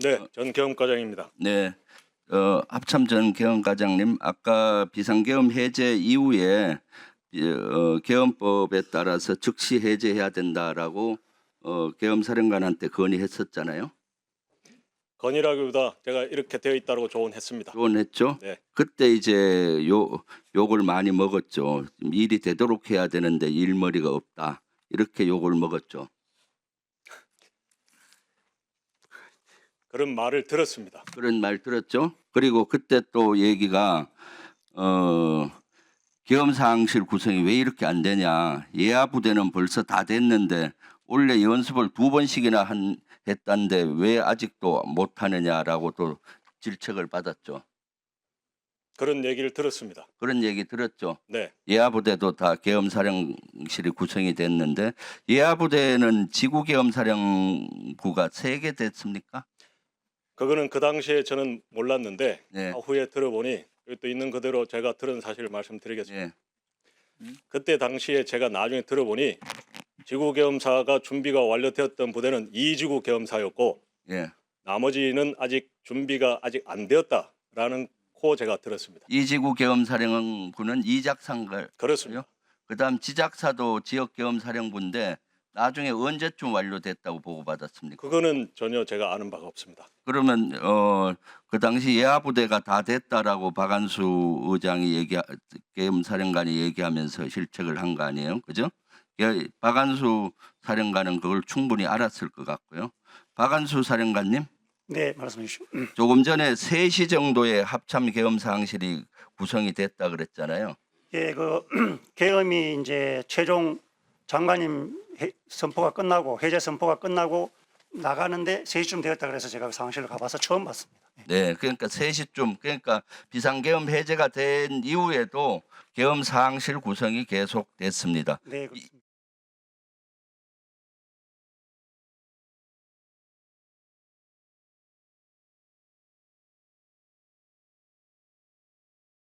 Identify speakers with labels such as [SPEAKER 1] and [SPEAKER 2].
[SPEAKER 1] 네, 전 계엄과장입니다.
[SPEAKER 2] 네, 합참 전 계엄과장님, 아까 비상계엄 해제 이후에 계엄법에 따라서 즉시 해제해야 된다라고 계엄사령관한테 건의했었잖아요.
[SPEAKER 1] 건의라기보다 제가 이렇게 되어 있다고 조언했습니다.
[SPEAKER 2] 조언했죠.
[SPEAKER 1] 네,
[SPEAKER 2] 그때 이제 욕을 많이 먹었죠. 일이 되도록 해야 되는데 일머리가 없다. 이렇게 욕을 먹었죠.
[SPEAKER 1] 그런 말을 들었습니다.
[SPEAKER 2] 그런 말 들었죠. 그리고 그때 또 얘기가 계엄사항실 구성이 왜 이렇게 안 되냐. 예하 부대는 벌써 다 됐는데 원래 연습을 2번씩이나 했다는데 왜 아직도 못 하느냐라고 또 질책을 받았죠.
[SPEAKER 1] 그런 얘기를 들었습니다.
[SPEAKER 2] 그런 얘기 들었죠.
[SPEAKER 1] 네,
[SPEAKER 2] 예하 부대도 다 계엄사령실이 구성이 됐는데 예하 부대는 지구 계엄사령부가 3개 됐습니까?
[SPEAKER 1] 그거는 그 당시에 저는 몰랐는데
[SPEAKER 2] 네.
[SPEAKER 1] 후에 들어보니 여기 또 있는 그대로 제가 들은 사실을 말씀드리겠습니다.
[SPEAKER 2] 예.
[SPEAKER 1] 그때 당시에 제가 나중에 들어보니 지구계엄사가 준비가 완료되었던 부대는 2지구 계엄사였고
[SPEAKER 2] 예.
[SPEAKER 1] 나머지는 아직 준비가 아직 안 되었다라는 코 제가 들었습니다.
[SPEAKER 2] 이지구 계엄사령부는 이작상가요.
[SPEAKER 1] 그렇습니다.
[SPEAKER 2] 그다음 지작사도 지역 계엄사령부인데 나중에 언제쯤 완료됐다고 보고받았습니까?
[SPEAKER 1] 그거는 전혀 제가 아는 바가 없습니다.
[SPEAKER 2] 그러면 그 당시 예하 부대가 다 됐다라고 박안수 의장이 계엄사령관이 얘기하면서 실책을 한 거 아니에요, 그죠? 박안수 사령관은 그걸 충분히 알았을 것 같고요. 박안수 사령관님,
[SPEAKER 3] 네, 말씀해 주시오.
[SPEAKER 2] 조금 전에 3시 정도에 합참 계엄사항실이 구성이 됐다 그랬잖아요.
[SPEAKER 3] 예, 그 계엄이 이제 최종 장관님 선포가 끝나고 해제 선포가 끝나고 나가는데 3시쯤 되었다 그래서 제가 그 상황실을 가봐서 처음 봤습니다.
[SPEAKER 2] 네, 그러니까 3시쯤, 그러니까 비상계엄 해제가 된 이후에도 계엄사항실 구성이 계속됐습니다.
[SPEAKER 3] 네,